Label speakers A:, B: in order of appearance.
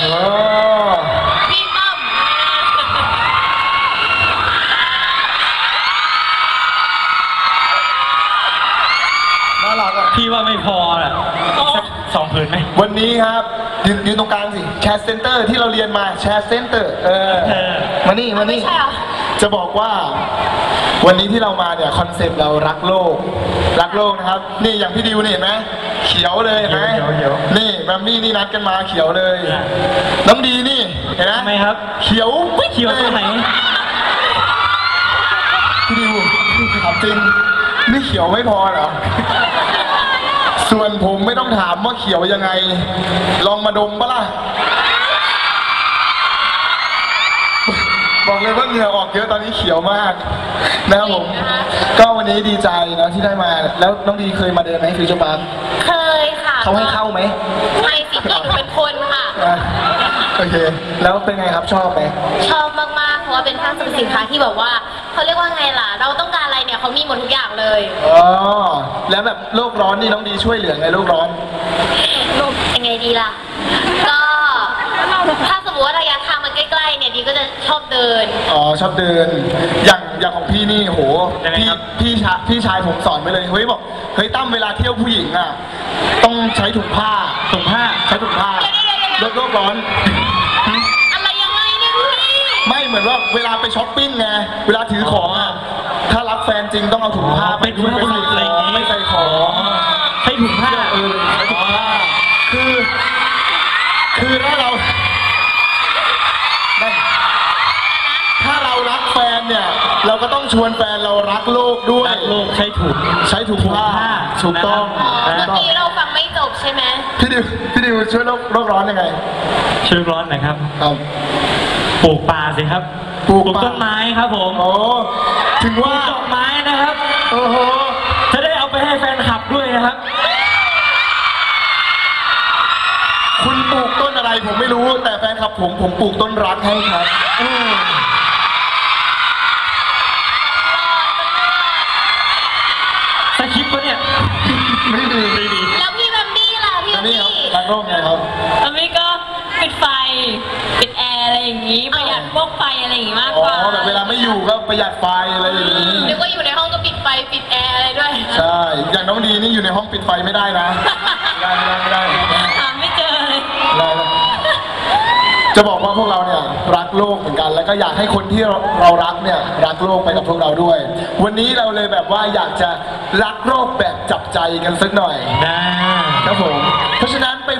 A: พี่ป้อม
B: น่ารักอ่ะ
C: พี่ว่าไม่พอแหละ2 ผืนไหม
B: วันนี้ครับยืนตรงกลางสิแชร์เซ็นเตอร์ที่เราเรียนมาแชร์เซ็นเตอร์มานี่จะบอกว่าวันนี้ที่เรามาเนี่ยคอนเซ็ปต์เรารักโลกนะครับนี่อย่างพี่ดิวนี่เห็นไหมเขียวเลยเห็นไหมนี่แบมมี่นี่นัดกันมาเขียวเลยน้ำดีนี่เห็นไหม
C: ทำไมครับ
B: เขียว
C: เขียวตรงไหน
B: พี่ดิวถามจริงนี่เขียวไม่พอเหรอส่วนผมไม่ต้องถามว่าเขียวยังไงลองมาดมปะล่ะบอกเลยว่าเหงื่อออกเยอะตอนนี้เขียวมากนะครับผมก็วันนี้ดีใจนะที่ได้มาแล้วน้องดีเคยมาเดินไหมฟิวเจอร์พาร์ค
A: เคยค่ะ
B: เขาให้เข้าไหม
A: ไม่สิพี่หนูเป็นคนค่ะ
B: โอเคแล้วเป็นไงครับชอบไหม
A: ชอบมากๆเพราะว่าเป็นห้างสรรพสินค้าที่แบบว่าเขาเรียกว่าไงล่ะเราต้องการอะไรเนี่ยเขามีหมดทุกอย่างเลย
B: อ๋อแล้วแบบโลกร้อนนี่น้องดีช่วยเหลือไงโลกร้อน
A: ยังไงดีล่ะก็ถ้าสมมติว่าระยะทางมันใกล้ๆเนี่ยดีก็จะชอบเดิน
B: อ๋อชอบเดินอย่างของพี่นี่โหพี่ชายผมสอนไปเลยเฮ้ยบอกเฮ้ยตั้มเวลาเที่ยวผู้หญิงอ่ะต้องใช้ถุงผ้าใช้ถุงผ้าลดโลกร้อน
A: อะไรยังไงเนี่ยพี่
B: ไม่เหมือนว่าเวลาไปช้อปปิ้งไงเวลาถือของอ่ะถ้ารักแฟนจริงต้องเอาถุงผ้าไปด้วยไม่ใส่ของ
C: ใช้ถุงผ้า
B: ใช้ถุงผ้าคือถ้าเรารักแฟนเนี่ยเราก็ต้องชวนแฟนเรารักโลกด้วย
C: รักโลกใช้ถุงผ้า
B: ถูกต้อง
A: เมื่อกี้เราฟังไม่จบใช่ไหม
B: พี่ดิวช่วยโลกร้อนยังไง
C: ช่วยร้อนนะครับปลูกป่าสิครับปลูกต้นไม้ครับผม
B: โอ้ถึงว่า
C: ดอกไม้นะครับโอ้โหจะได้เอาไปให้แฟนคลับด้วยนะครับ
B: คุณปลูกต้นอะไรผมไม่รู้แต่แฟนคลับผมปลูกต้นรักให้ครับ
C: สคริปต์ปะเนี่ย
B: ไม่ดี
A: แล้วพี่แบมบี้ล่ะพี่แบมบี้
B: รักโลกไงครับ
D: แบมบี้ก็ปิดไฟปิดแอร์อะไรอย่างนี้ประหยัดพวกไฟอะไรอย่างนี้มากกว่า
B: อ๋อแบบเวลาไม่อยู่ก็ประหยัดไฟอะไรอย่างนี้
A: นึกว่าอยู่ในห้องก็ปิดไฟปิดแอร์อะไรด้วย
B: ใช่อย่างน้องดีนี่อยู่ในห้องปิดไฟไม่ได้นะไม่ได้
D: หาไม่เจอเลย
B: จะบอกว่าพวกเราเนี่ยรักโลกเหมือนกันแล้วก็อยากให้คนที่เรารักเนี่ยรักโลกไปกับพวกเราด้วยวันนี้เราเลยแบบว่าอยากจะรักโลกแบบจับใจกันสักหน่อยนะครับผมเพราะฉะนั้น